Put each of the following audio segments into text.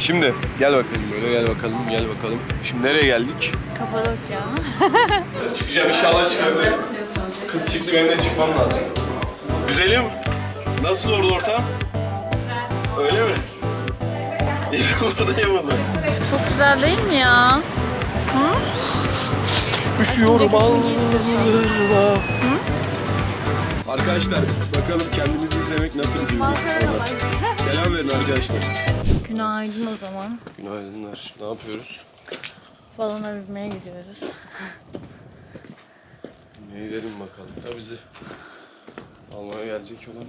Şimdi gel bakalım böyle, gel bakalım, gel bakalım. Şimdi nereye geldik? Kapadokya. Çıkacağım inşallah, çıkabilirim. Kız çıktı, benim de çıkmam lazım. Güzelim. Nasıl orada ortam? Güzel. Öyle mi? Buradayım o zaman. Çok güzel değil mi ya? Hı? Üşüyorum Allah'ım. Arkadaşlar bakalım kendimizi izlemek nasıl bir duygu? Selam verin arkadaşlar. Günaydın o zaman. Günaydınlar. Ne yapıyoruz? Balona binmeye gidiyoruz. Ne gidelim bakalım. Da bizi almaya gelecek olan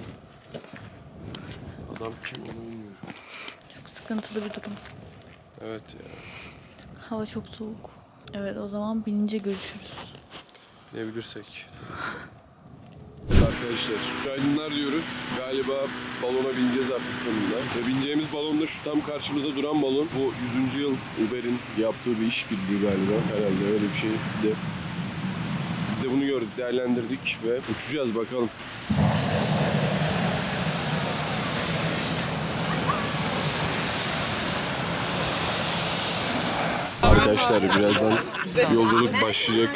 adam kim onu bilmiyorum. Çok sıkıntılı bir durum. Evet ya. Hava çok soğuk. Evet, o zaman binince görüşürüz. Ne bilirsek. Arkadaşlar günaydınlar diyoruz. Galiba balona bineceğiz artık sonunda. Ve bineceğimiz balon da şu tam karşımızda duran balon. Bu 100. yıl Uber'in yaptığı bir işbirliği galiba. Herhalde öyle bir şeydi. Biz de bunu gördük, değerlendirdik ve uçacağız bakalım. Arkadaşlar birazdan yolculuk başlayacak.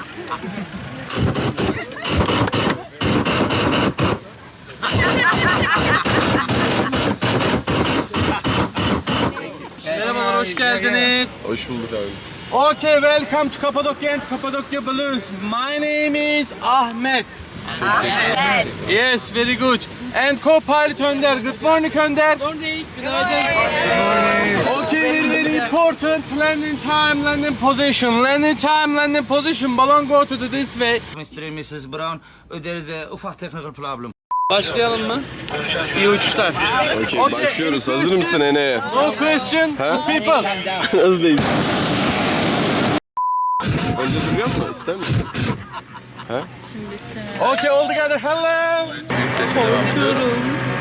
Merhabalar, hoş geldiniz. Hoş bulduk abi. Okay, welcome to Cappadocia and Cappadocia Balloons. My name is Ahmet. Ahmet. Yes, very good. And co-pilot Önder. Good morning Önder. Good morning. Okay, very important. Landing time, landing position. Landing time, landing position. Balloon go to this way. Mr. Mrs. Brown, there is a ufak technical problem. Başlayalım mı? İyi uçuşlar. Okay, başlıyoruz. Hazır mısın Ene'ye? No question, people. Hız değil. Önce duruyor musun? İster misin? Ha? Şimdi istemiyorum. Okay, all together. Hello. Korkuyorum.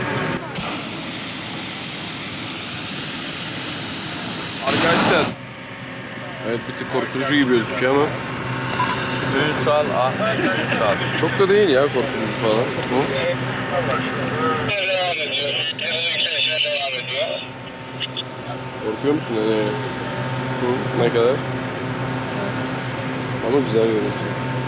Arkadaşlar. Evet, bir tık korkutucu gibi gözüküyor ama. Ünsal, Ünsal. Çok da değil ya korkutucu falan. Hı? Devam ediyor. Yükselişine devam ediyor. Korkuyor musun Ene'ye? Hı? Ne kadar? Ama güzel görüntü.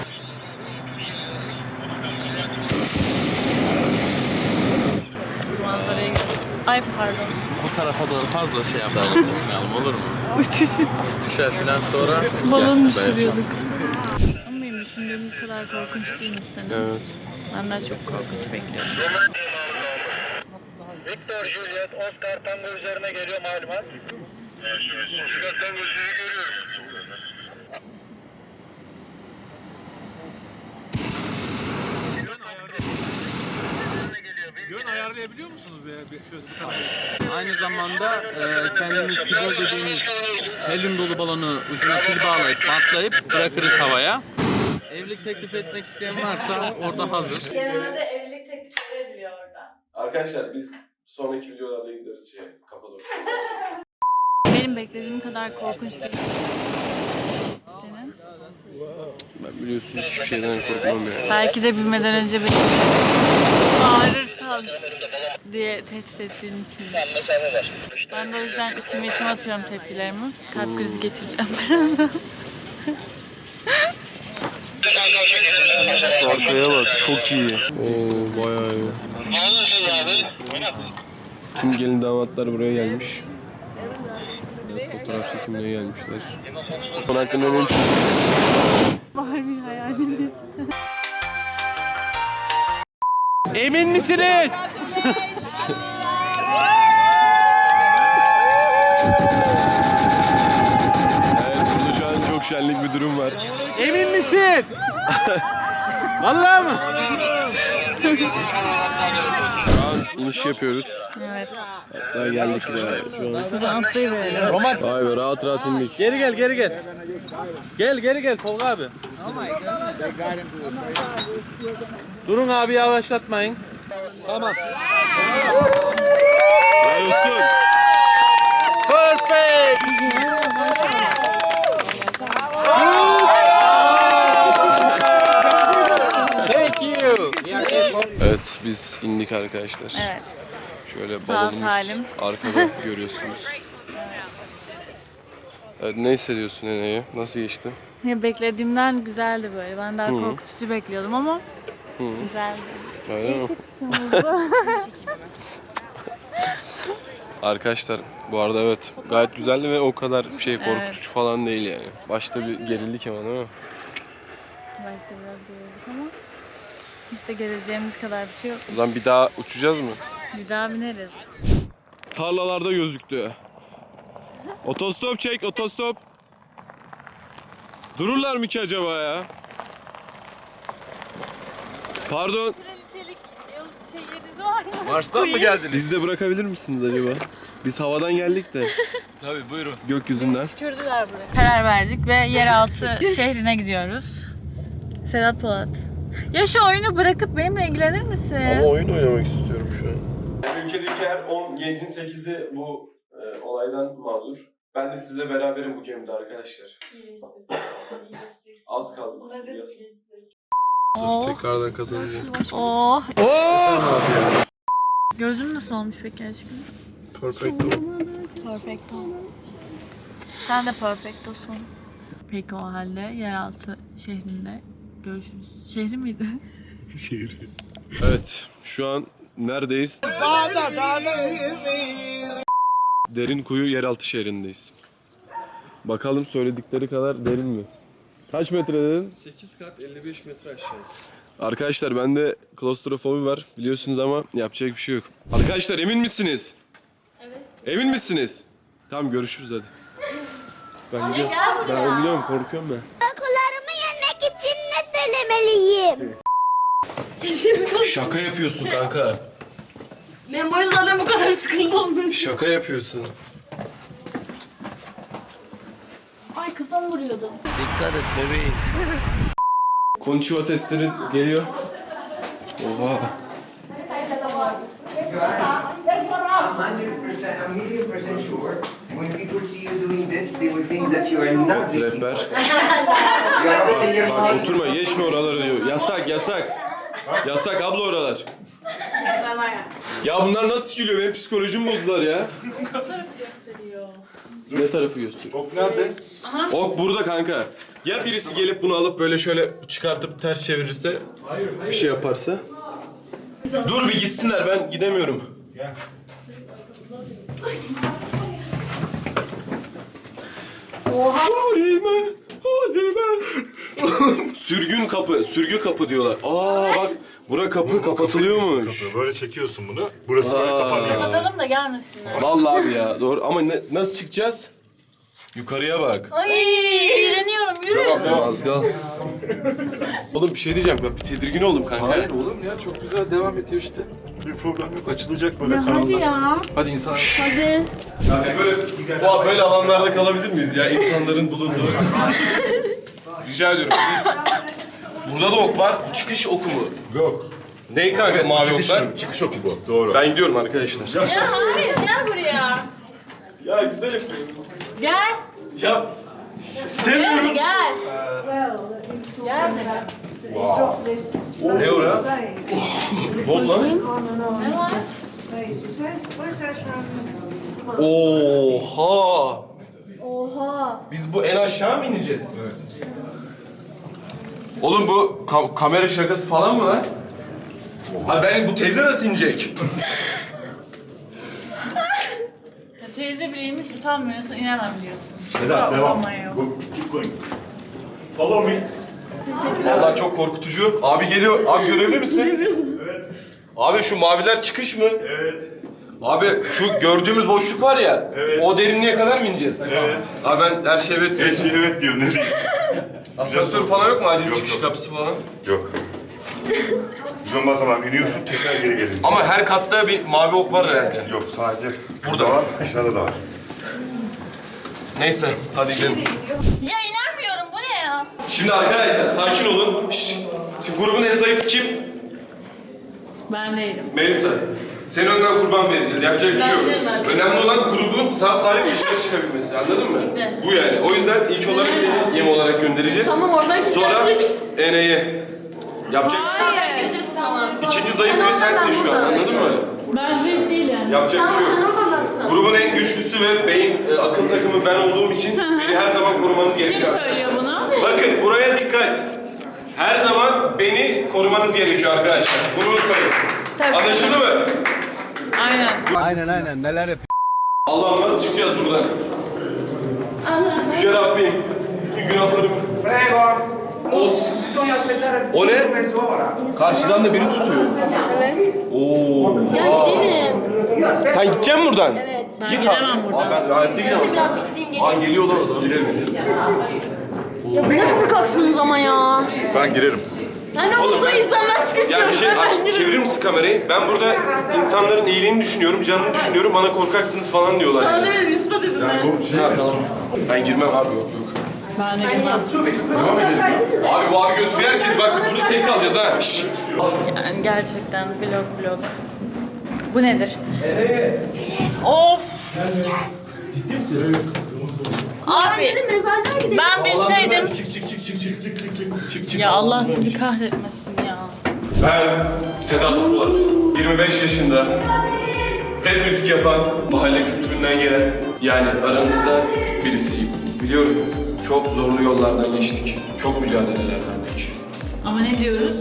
Manzaraya gidiyoruz. Ay pardon. Bu tarafa doğru fazla şey yapalım, olur mu? Uçuşun. Düşer falan sonra. Balon düşürüyorduk. Ama benim düşündüğüm kadar korkunç değilmiş senin. Evet. Benden çok korkunç bekliyorum. Victor Juliet, Oscar Tango üzerine geliyor malumat. Oscar Tango sizi görüyorum. Yön ayarlayabiliyor musunuz şöyle bu tarafa? Aynı zamanda kendimiz pivot dediğimiz helyum dolu balonu ucuna pil bağlayıp bantlayıp bırakırız havaya. Evlilik teklif etmek isteyen varsa orada hazır. Genelde evlilik teklifleri ediliyor orada. Arkadaşlar biz sonraki videolarda gideriz Kapadokya. Benim beklediğim kadar korkunç değil. Senin? Ben biliyorsun hiçbir şeyden korkmam ya. Belki de bilmeden önce beni bağırırsan diye tehdit ettiğin için. Ben de o yüzden içime atıyorum tepkilerimi. Kalp krizi geçireceğim. Arkaya bak, çok iyi. Oo, bayağı iyi. Tüm gelin damatlar buraya gelmiş. Fotoğraf çekimine gelmişler. Bunun hakkında ne düşünüyorsun? Var bir hayaliniz. Emin misiniz? Evet, burada şu an çok şenlik bir durum var. Emin misin? Vallahi mı? Şu an iniş yapıyoruz. Evet. Daha geldik ya şu an. Buradan atlayıverelim. Vay be, rahat rahat indik. Geri gel, geri gel. Geri gel Tolga abi. Durun abi, yavaşlatmayın. Tamam. Olsun. Perfect. Thank you. Evet, biz indik arkadaşlar. Evet. Şöyle Sağ balonumuz salim. arkada görüyorsunuz. Evet, ne hissediyorsun Ene'ye? Nasıl geçti? Ya beklediğimden güzeldi böyle. Ben daha korkutucu bekliyordum ama güzeldi. Öyle mi? Arkadaşlar bu arada evet gayet güzeldi ve o kadar korkutucu falan değil yani. Başta bir gerildik ama değil mi? Başta biraz gerildik ama işte gerileceğimiz kadar bir şey yok. O zaman bir daha uçacağız mı? Bir daha bineriz. Tarlalarda gözüktü. Otostop çek, otostop. Dururlar mı ki acaba ya? Pardon. Kraliçelik yeriz var mı? Mars'tan mı geldiniz? Bizi de bırakabilir misiniz acaba? Biz havadan geldik de Tabii buyurun. gökyüzünden. Tükürdüler buraya. Karar verdik ve yeraltı şehrine gidiyoruz. Sedat Polat. Ya şu oyunu bırakıp benimle ilgilenir misin? oyun oynamak istiyorum şu an. Ülkedeki her 10 gencin 8'i bu olaydan mağdur. Ben de sizle beraberim bu gemide arkadaşlar. Az kaldı. Oh. Tekrardan kazanacağım. Oh. Gözüm nasıl olmuş peki aşkım? Perfecto. Perfecto. Sen de perfectosun. Peki o halde yeraltı şehrinde görüşürüz. Şehri miydi? Evet, şu an neredeyiz? Derinkuyu yeraltı şehrindeyiz. Bakalım söyledikleri kadar derin mi? Kaç metre dedin? 8 kat 55 metre aşağısı. Arkadaşlar bende klostrofobi var biliyorsunuz ama yapacak bir şey yok. Arkadaşlar emin misiniz? Evet. Emin misiniz? Tamam görüşürüz hadi. Ben gidiyorum. Ben gidiyorum korkuyorum ben. Korkularımı yenmek için ne söylemeliyim? Şaka yapıyorsun kanka. Ben bu yüzden bu kadar sıkıntı oldum. Şaka yapıyorsun. Ay kafam vuruyordu. Dikkat et bebeğim. Konnichiwa sesleri geliyor. Oha. 100% sure. When people see you doing this, they will think that you are not drinking. Rehber. You are taking your Bak money. oturma geçme oraları diyor. Yasak yasak. Yasak abla oralar. Ya bunlar nasıl gülüyor? Benim psikolojim bozdular ya. Ne tarafı gösteriyor? Ok nerede? Ok burada kanka. Ya birisi gelip bunu alıp böyle şöyle çıkartıp ters çevirirse, bir şey yaparsa. Dur bir gitsinler ben gidemiyorum. Oha! Halime! Halime! Sürgü kapı diyorlar. Aa bak, bura kapı kapatılıyormuş. Böyle çekiyorsun bunu. Burası böyle kapanıyor. Kapatalım da gelmesinler. Vallahi abi ya, doğru. Ama nasıl çıkacağız? Yukarıya bak. Ay iğreniyorum yürü. Az kal. Oğlum bir şey diyeceğim, ben bir tedirgin oldum kanka. Hayır oğlum ya çok güzel devam ediyor işte. Bir problem yok. Açılacak böyle Hadi kanallar. ya. Hadi insan. Hadi. Yani böyle alanlarda kalabilir miyiz ya? İnsanların bulunduğu. Rica ediyorum biz. Burada da ok var. Bu çıkış oku mu? Yok. Ney kanka mavi oklar? Çıkış oku bu. Doğru. Ben gidiyorum arkadaşlar. Ya hayır gel buraya. Ya güzel yapıyorum. Gel. Ya istemiyorum. Hadi gel. Gel de. Ne o lan? Ne oldu lan? Ne var? Oha! Oha. Biz bu en aşağı mı ineceğiz? Evet. Oğlum bu kamera şakası falan mı lan? Ha ben bu teyze nasıl inecek? Ya teyze biriymiş utanmıyorsun inemem diyorsun. Sedat devam. Utanmaya. Keep going. Follow me. Teşekkürler. Vallahi çok korkutucu. Abi geliyor. Abi görevli misin? Evet. Abi şu maviler çıkış mı? Evet. Abi şu gördüğümüz boşluk var ya. Evet. O derinliğe kadar mı ineceğiz? Evet. Abi ben her şey evet diyorsun. Evet diyor. Ne diyeyim? Asansör falan yok mu? Acil Yok, çıkış yok. kapısı falan. Yok. Biz ondan zaman iniyorsun tekrar geri gelin. Ama her katta bir mavi ok var herhalde. Yok sadece Burada var, aşağıda da var. Neyse hadi gidelim. Ya inanmıyorum bu ne ya? Şimdi arkadaşlar sakin olun. Şşş. Şimdi grubun en zayıfı kim? Ben değilim. Melisa. Senin önden kurban vereceğiz. Yapacak bir şey yok. Ben- Önemli olan grubun sağ salim dışarı çıkabilmesi. Anladın mı? Kesinlikle. Bu yani. O yüzden ilk olarak seni yem olarak göndereceğiz. Tamam, oradan Sonra gidecek. Ene'ye. Yapacak bir şey yok. Hayır. Gireceğiz o zaman. İkinci zayıf ve sensin şu an. Anladın mı? Ben zayıf değilim. Yapacak bir şey yok. Sana fırlattım. grubun en güçlüsü ve beyin akıl takımı ben olduğum için beni her zaman korumanız Kim gerekiyor. söylüyor bunu? Bakın buraya dikkat. Her zaman beni korumanız gerekiyor arkadaşlar. Bunu unutmayın. Tabii. Anlaşıldı mı? Aynen. Neler yapıyor? Allah'ım nasıl çıkacağız buradan? Yüce Rabbim, bütün günahlarımı... O ne? Karşıdan da biri tutuyor. Evet. Oo. Gel gidelim. Sen gidecek misin buradan? Evet. Ben Git gidemem abi. buradan. Ben hayatta gidemem. Birazcık gideyim geleyim. Aa geliyorlar o zaman. Gidelim. Ya ne korkaksınız ama ya. Ben girerim. Ya ne oldu insanlar çıkıyor. Ya bir şey, Ben girerim. çevirir misin kamerayı? Ben burada insanların iyiliğini düşünüyorum, canını düşünüyorum. Bana korkaksınız falan diyorlar. Sana Yani. demedim, Yusuf'a dedim ben. Ha, tamam. Ben girmem abi, yok. Ben de gitmem. Abi bu abi götürüyor herkes. Bak biz burada tek kalacağız ha. Şşş. Yani gerçekten vlog. Bu nedir? Of! Abi ben bilseydim... Ya Allah sizi kahretmesin ya. Ben Sedat Polat. 25 yaşında. Rap müzik yapan, mahalle kültüründen gelen, yani aranızda birisiyim. Biliyorum, çok zorlu yollardan geçtik. Çok mücadeleler verdik. Ama ne diyoruz?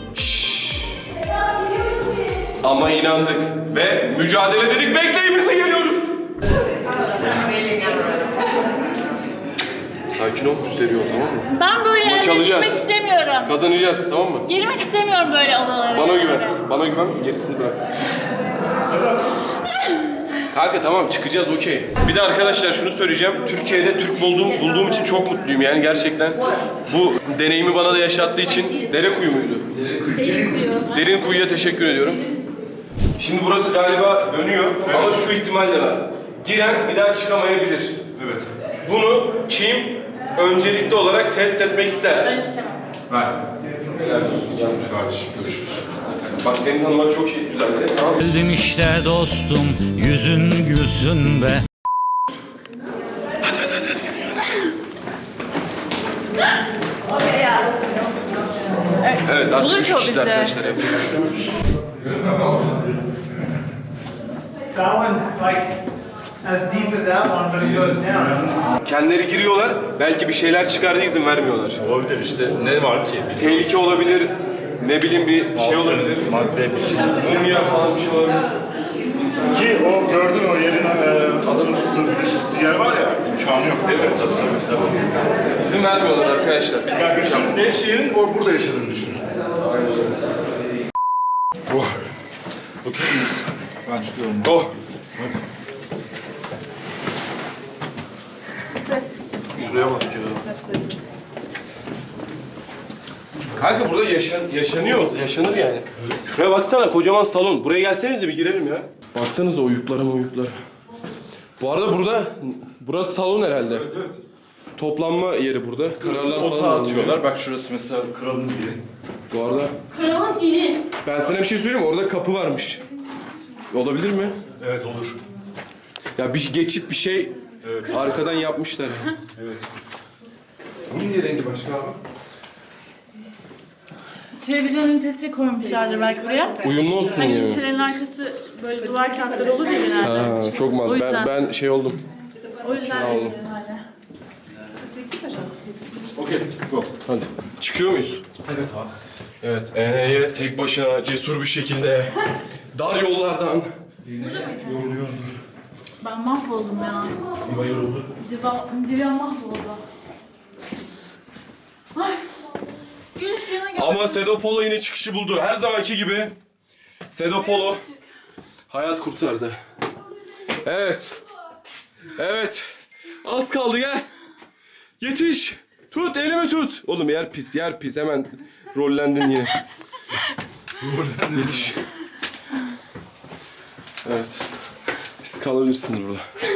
Ama inandık ve mücadele dedik, bekleyin bize geliyoruz. Sakin ol, müsterih ol, tamam mı? Ben böyle yerlere çalacağız. girmek istemiyorum. Kazanacağız, tamam mı? Girmek istemiyorum böyle odalara. Bana güven, gerisini bırak. Kanka tamam, çıkacağız, okey. Bir de arkadaşlar şunu söyleyeceğim, Türkiye'de Türk bulduğum için çok mutluyum yani gerçekten. Bu deneyimi bana da yaşattığı için, Derekuyu muydu? Derin Kuyu'ya teşekkür ediyorum. Şimdi burası galiba dönüyor ama şu ihtimal de var. Giren bir daha çıkamayabilir. Evet. Bunu kim öncelikli olarak test etmek ister? Ben istemem. Ver. Helal olsun yani. Kardeşim görüşürüz. Bak seni tanımak çok iyi, güzeldi. Tamam mı? Geldim işte dostum, yüzün gülsün be. Hadi. Evet artık Bulur 3 ki o kişiyiz bizi. arkadaşlar, yapacak bir şey yok. That one's like as deep as that one, but it goes down. Kendileri giriyorlar, belki bir şeyler çıkar diye izin vermiyorlar. Olabilir işte. Ne var ki? Tehlike olabilir, ne bileyim bir şey olabilir. Madde bir şey. Mumya falan bir şey olabilir. Ki o gördün o yerin adamın tuttuğu bir yer var ya. İmkanı yok değil mi? Tabii. İzin vermiyorlar arkadaşlar. Biz Yani bütün Nevşehir'in burada yaşadığını düşünün. Oh. Okey miyiz? Ben çıkıyorum. Oh. Şuraya bak ya. Kanka burada yaşanır yani. Şuraya baksana, kocaman salon. Buraya gelsenize bir girelim ya. Baksanıza oyuklara. Bu arada burası salon herhalde. Evet. Toplanma yeri burada. Kararlar falan alınıyor. Bak şurası mesela kralın biri. Bu arada Kralın ili. ben sana bir şey söyleyeyim mi? Orada kapı varmış. Olabilir mi? Evet olur. Ya bir geçit bir şey arkadan yapmışlar. Evet. Bunun niye rengi başka abi? Televizyon ünitesi koymuşlardır belki buraya. Uyumlu olsun Hani ya. ünitelerin arkası böyle duvar kağıtları olur ya genelde. Ha, çok O mantıklı. yüzden. Ben şey oldum. O yüzden oldum. herhalde. Okey, go. Hadi. Çıkıyor muyuz? Evet abi. Evet, Ene'ye tek başına cesur bir şekilde dar yollardan. Ben mahvoldum ya. Divan mahvoldu. Ay. Gün ışığına gel. Ama Sedo Polo yine çıkışı buldu. Her zamanki gibi Sedo Polo hayat kurtardı. Evet. Az kaldı, gel. Yetiş. Tut, elimi tut. Oğlum yer pis. Hemen rollendin yine. Yetiş. Evet. Siz kalabilirsiniz burada.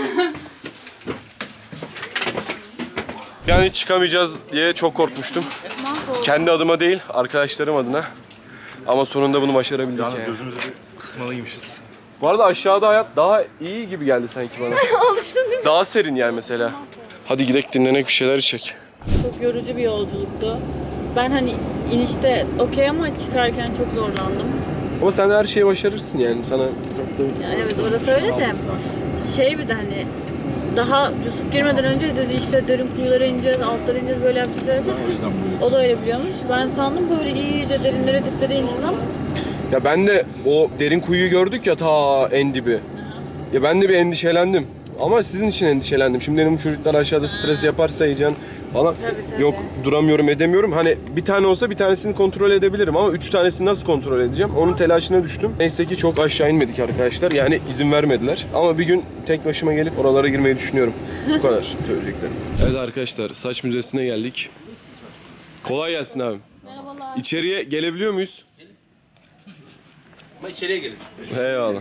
Yani çıkamayacağız diye çok korkmuştum. Kendi adıma değil, arkadaşlarım adına. Ama sonunda bunu başarabildik yani. Gözümüzü bir kısmalıymışız. Bu arada aşağıda hayat daha iyi gibi geldi sanki bana. Alıştın değil mi? Daha serin yani mesela. Hadi gidelim dinlenek, bir şeyler içek. Çok yorucu bir yolculuktu. Ben hani inişte okey ama çıkarken çok zorlandım. Ama sen her şeyi başarırsın yani. Sana çok da... Yani evet orası öyle de. Şey bir de hani daha Yusuf girmeden önce dedi işte derin kuyulara ineceğiz, altlara ineceğiz, böyle yapacağız dedi. O yüzden O da öyle biliyormuş. Ben sandım böyle iyice derinlere diplere ineceğiz ama. Ya ben de o derin kuyuyu gördük ya ta en dibi. Ya ben de bir endişelendim. Ama sizin için endişelendim. Şimdi benim çocuklar aşağıda stres yaparsa heyecan falan. Tabii. Yok duramıyorum edemiyorum. Hani bir tane olsa bir tanesini kontrol edebilirim ama 3 tanesini nasıl kontrol edeceğim? Onun telaşına düştüm. Neyse ki çok aşağı inmedik arkadaşlar. Yani izin vermediler. Ama bir gün tek başıma gelip oralara girmeyi düşünüyorum. Bu kadar söyleyeceklerim. Evet arkadaşlar, saç müzesine geldik. Kolay gelsin abi. Merhabalar. İçeriye gelebiliyor muyuz? Ama içeriye gelin. Eyvallah.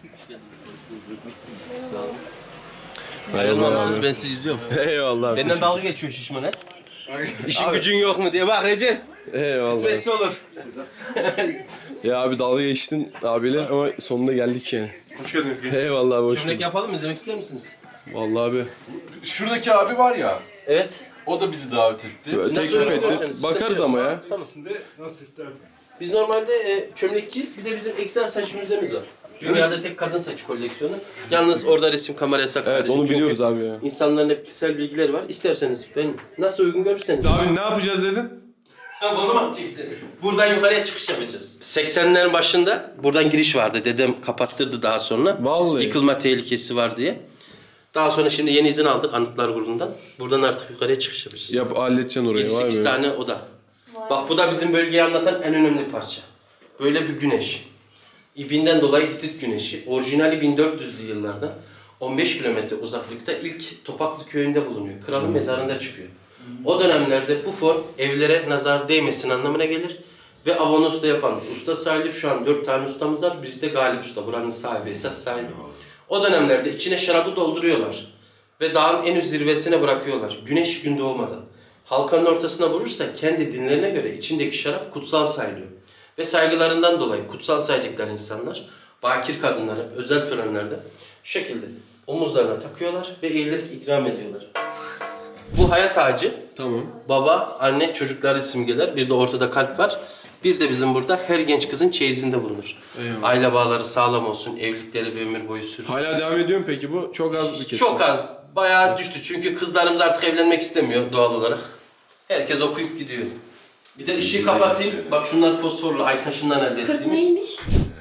Ayrılmamışsınız, ben sizi izliyorum. Eyvallah. Benden dalga geçiyor şişman he. İşin gücün yok mu diye bak Recep. Eyvallah. Kısmetse olur. Ya abi dalga geçtin abiyle ama sonunda geldik yani. Hoş geldiniz. Eyvallah abi, hoş Çömlek bulduk. yapalım mı? İzlemek ister misiniz? Vallahi abi. Şuradaki abi var ya, Evet. o da bizi davet etti. Teklif etti. ederseniz, Bakarız sıkıntı ama yok. ya. Tamam. Nasıl isterseniz. Biz normalde çömlekçiyiz. Bir de bizim ekstra saç müzemiz var. Dünyada tek kadın saç koleksiyonu. Yalnız orada resim kamera yasak. Evet kardeşim. onu Çünkü biliyoruz abi ya. İnsanların hep kişisel bilgileri var. İsterseniz ben nasıl uygun görürseniz. Abi ne yapacağız dedin? Bunu mu çekeceğiz? Buradan yukarıya çıkış yapacağız. 80'lerin başında buradan giriş vardı. Dedem kapattırdı daha sonra. Vallahi. Yıkılma tehlikesi var diye. Daha sonra şimdi yeni izin aldık Anıtlar Kurulu'ndan. Buradan artık yukarıya çıkış yapacağız. Yap halledeceksin orayı. 7-8 Vay be. tane oda. Bak bu da bizim bölgeyi anlatan en önemli parça. Böyle bir güneş. İbinden dolayı Hitit güneşi. Orijinali 1400'lü yıllarda 15 kilometre uzaklıkta ilk Topaklı köyünde bulunuyor. Kralın mezarında çıkıyor. O dönemlerde bu form evlere nazar değmesin anlamına gelir. Ve Avanos'ta yapan usta sahibi, şu an 4 tane ustamız var. Birisi de Galip Usta. Buranın sahibi, esas sahibi. O dönemlerde içine şarabı dolduruyorlar. Ve dağın en üst zirvesine bırakıyorlar. Güneş gün doğmadan. Halkanın ortasına vurursa kendi dinlerine göre içindeki şarap kutsal sayılıyor. Ve saygılarından dolayı kutsal saydıkları insanlar, bakir kadınları özel törenlerde şu şekilde omuzlarına takıyorlar ve eğilerek ikram ediyorlar. Bu hayat ağacı. Tamam. Baba, anne, çocukları simgeler. Bir de ortada kalp var. Bir de bizim burada her genç kızın çeyizinde bulunur. Eyvallah. Aile bağları sağlam olsun, evlilikleri bir ömür boyu sürsün. Hala devam ediyor mu peki bu? Çok az bir kesim. Çok az. Bayağı düştü çünkü kızlarımız artık evlenmek istemiyor doğal olarak. Herkes okuyup gidiyor. Bir de ışığı kapatayım. Bak şunlar fosforlu ay taşından elde ettiğimiz. Neymiş?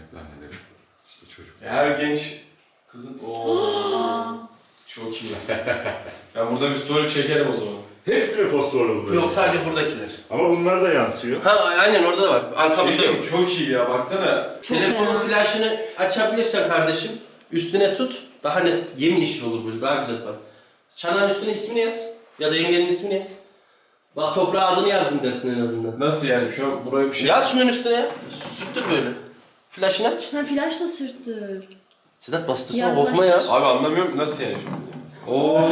Her genç kızın... Çok iyi. Ben burada bir story çekerim o zaman. Hepsi mi fosforlu bunlar? Yok sadece buradakiler. Ama bunlar da yansıyor. Ha aynen orada da var. Arkamızda yok. Çok iyi ya baksana. Telefonun flaşını açabilirsen kardeşim üstüne tut. Daha net yemyeşil olur böyle daha güzel var. Çanağın üstüne ismini yaz. Ya da yengenin ismini yaz. Bak toprağa adını yazdım dersin en azından. Nasıl yani şu an buraya bir şey... Yaz şunun üstüne ya. Sürttür böyle. Flaşını aç. Ha flash da sürttür. Sedat bastırsana Ya, korkma ya. Abi anlamıyorum nasıl yani şimdi? Oo.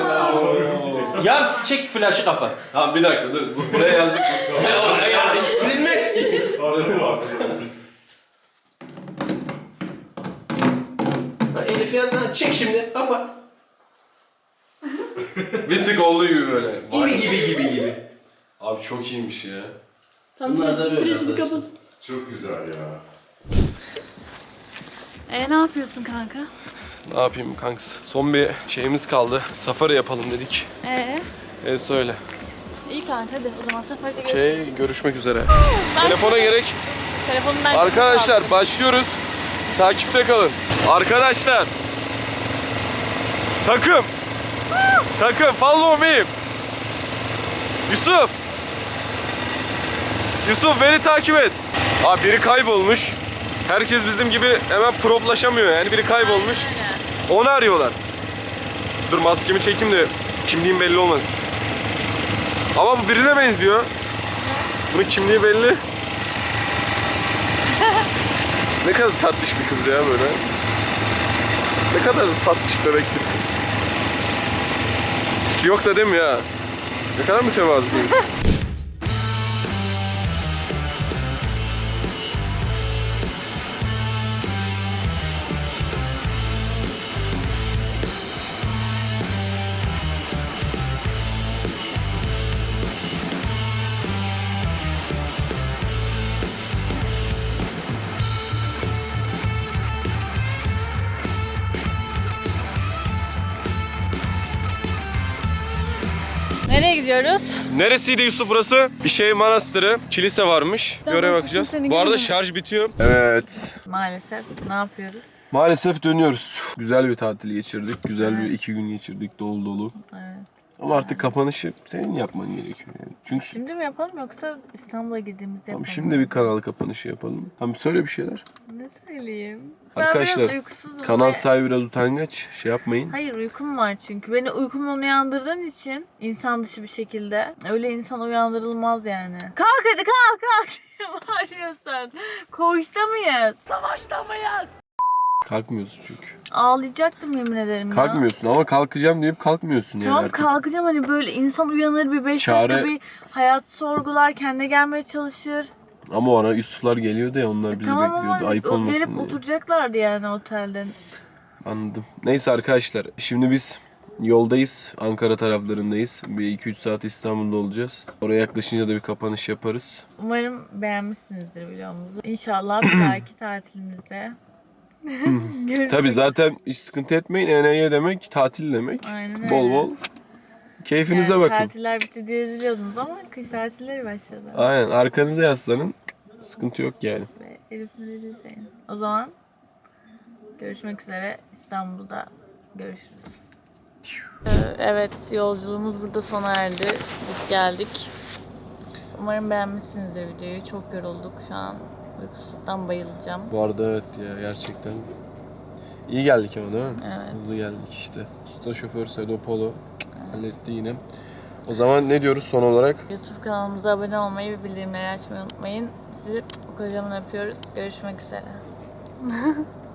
Yaz çek flaşı kapat. Tamam bir dakika dur. Buraya yazdık. Silinmez ki. Ha, Elif yaz ha. Çek şimdi kapat. Bir tık olduğu gibi böyle. Gibi. Abi çok iyiymiş ya. Bunlar da böyle arkadaşlar. Çok güzel ya. Ne yapıyorsun kanka? Ne yapayım kanks? Son bir şeyimiz kaldı. Safari yapalım dedik. Söyle. İyi kanka hadi o zaman seferde görüşürüz. Görüşmek üzere. Telefona gerek. Telefonum ben Arkadaşlar başlıyoruz. Takipte kalın. Arkadaşlar. Takım. Takım follow me. Yusuf beni takip et. Abi biri kaybolmuş. Herkes bizim gibi hemen proflaşamıyor yani biri kaybolmuş. Onu arıyorlar. Dur maskemi çekeyim de kimliğim belli olmasın. Ama bu birine benziyor. Bunun kimliği belli. Ne kadar tatlış bir kız ya böyle. Ne kadar tatlış bebek bir kız. Hiç yok da değil mi ya? Ne kadar mütevazı bir insan. gidiyoruz. Neresiydi Yusuf burası? Bir şey manastırı, kilise varmış. Tamam, Göre bakacağız. seni Bu arada görmedim. şarj bitiyor. Evet. Maalesef. Ne yapıyoruz? Maalesef dönüyoruz. Güzel bir tatil geçirdik. Güzel bir 2 gün geçirdik dolu dolu. Evet. Ama artık kapanışı senin yapman gerekiyor yani. Çünkü Şimdi mi yapalım yoksa İstanbul'a gittiğimizde yapalım? tamam, şimdi bir kanal kapanışı yapalım. Tamam, söyle bir şeyler. Ne söyleyeyim? Arkadaşlar, Ben biraz uykusuzum kanal ve- sahibi biraz utangaç. Şey yapmayın. Hayır, uykum var çünkü. Beni uykumdan uyandırdığın için insan dışı bir şekilde. Öyle insan uyandırılmaz yani. Kalk hadi kalk. Bağırıyorsun. Koğuşta mıyız? Savaşta mıyız? Kalkmıyorsun çünkü. Ağlayacaktım yemin ederim ya. Kalkmıyorsun ama kalkacağım deyip kalkmıyorsun yani Tamam artık. kalkacağım, hani böyle insan uyanır bir 5 Çare- dakika bir hayat sorgular, kendine gelmeye çalışır. Ama o ara Yusuflar geliyordu ya, onlar bizi Tamam bekliyordu. ama Ayıp olmasın gelip diye. oturacaklardı yani otelde. Anladım. Neyse arkadaşlar, şimdi biz yoldayız. Ankara taraflarındayız. Bir 2-3 saat İstanbul'da olacağız. Oraya yaklaşınca da bir kapanış yaparız. Umarım beğenmişsinizdir videomuzu. İnşallah bir dahaki tatilimizde görüşmek Tabii zaten hiç sıkıntı etmeyin. ENY demek tatil demek. Aynen öyle. Bol bol keyfinize Yani bakın. tatiller bitti diye üzülüyordunuz ama kış tatilleri başladı. Aynen, arkanıza yaslanın. Sıkıntı yok yani. Ve Elif'le de izleyin. O zaman görüşmek üzere. İstanbul'da görüşürüz. Evet, yolculuğumuz burada sona erdi. Biz geldik. Umarım beğenmişsinizdir videoyu. Çok yorulduk şu an. Uykusuzluktan bayılacağım. Bu arada evet ya, gerçekten iyi geldik ama değil mi? Evet. Hızlı geldik işte. Usta şoför Sedo Polo halletti yine. O zaman ne diyoruz son olarak? YouTube kanalımıza abone olmayı ve bildirimleri açmayı unutmayın. Sizi kocaman öpüyoruz. Görüşmek üzere.